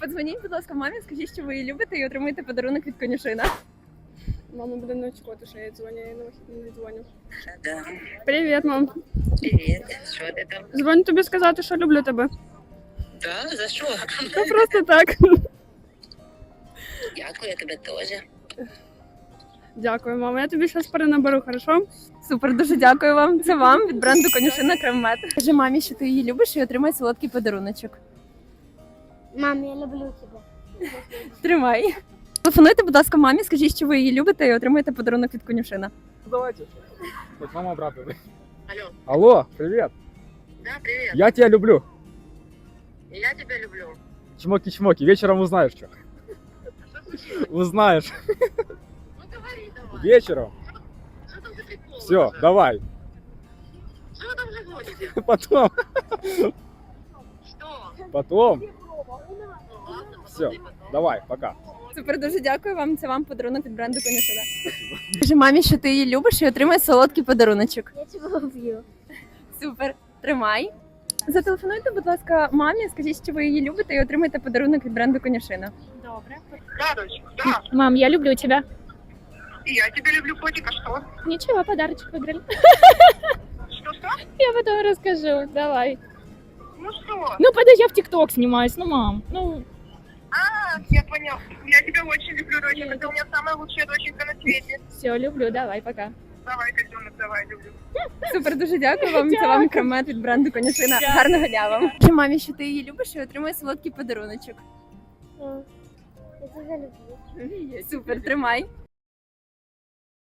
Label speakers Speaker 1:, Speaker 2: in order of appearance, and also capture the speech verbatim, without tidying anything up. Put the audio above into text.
Speaker 1: Подзвоніть, будь ласка, мамі, скажіть, що ви її любите і отримуєте подарунок від конюшина.
Speaker 2: Мама буде не очікувати, що я дзвоню, я не дзвоню.
Speaker 3: Да.
Speaker 2: Привіт, мам.
Speaker 3: Привіт. Що ти там?
Speaker 2: Дзвоню тобі сказати, що люблю тебе.
Speaker 3: Да, за що?
Speaker 2: Та просто так.
Speaker 3: Дякую, я тебе теж.
Speaker 2: Дякую, мама. Я тобі щось перенаберу, хорошо?
Speaker 1: Супер, дуже дякую вам. Це вам від бренду конюшина Крем-Мед. Скажи мамі, що ти її любиш і отримай солодкий подаруночок.
Speaker 4: Мам, я люблю тебя.
Speaker 1: Тримай. Телефонуйте, будь ласка, мамі, скажіть, що ви її любите і отримаєте подарунок від конюшина.
Speaker 5: Давайте. Вот мама обрадует.
Speaker 3: Алло.
Speaker 5: Алло, привет.
Speaker 3: Да, привіт.
Speaker 5: Я тебя люблю.
Speaker 3: І я тебе люблю.
Speaker 5: Чмоки-чмоки. Вечером узнаешь, что.
Speaker 3: Що случилось?
Speaker 5: Узнаешь.
Speaker 3: Ну говори давай.
Speaker 5: Вечером.
Speaker 3: Що там за прикол?
Speaker 5: Все,
Speaker 3: уже?
Speaker 5: давай.
Speaker 3: Що ви там вже гоните?
Speaker 5: Потом.
Speaker 3: Що?
Speaker 5: Потом.
Speaker 3: Ну ладно,
Speaker 5: Все,
Speaker 3: потом.
Speaker 5: давай, пока.
Speaker 1: Супер, дуже дякую вам. Це вам подарунок від бренду конюшина. Скажи мамі, що ти її любиш і отримай солодкий подаруночок.
Speaker 4: Я тебя люблю.
Speaker 1: Супер, тримай. Зателефонуйте, будь ласка, мамі, скажіть, що ви її любите і отримайте подарунок від бренду конюшина.
Speaker 4: Добре.
Speaker 6: Да, дочка, да.
Speaker 7: Мам, я люблю тебя.
Speaker 6: И я тебя люблю, котик, а что?
Speaker 7: Ничего, подарочек выиграли.
Speaker 6: Что-что?
Speaker 7: Я потом расскажу. Давай.
Speaker 6: Ну что?
Speaker 7: Ну, подожди, я в ТикТок снимаюсь. Ну, мам. Ну,
Speaker 6: А, я понял. Я тебя очень люблю, дочка. Ты у меня самая лучшая доченька на свете.
Speaker 7: все, люблю. Давай, пока.
Speaker 6: Давай, котенок, давай, люблю.
Speaker 1: Супер, дуже дякую вам. Це вам Крем-Мед від бренду конюшина. Гарного дня вам. Скажи мамі, що ти її любиш і отримай солодкий подаруночок.
Speaker 4: Я тебя люблю.
Speaker 1: Супер, тримай.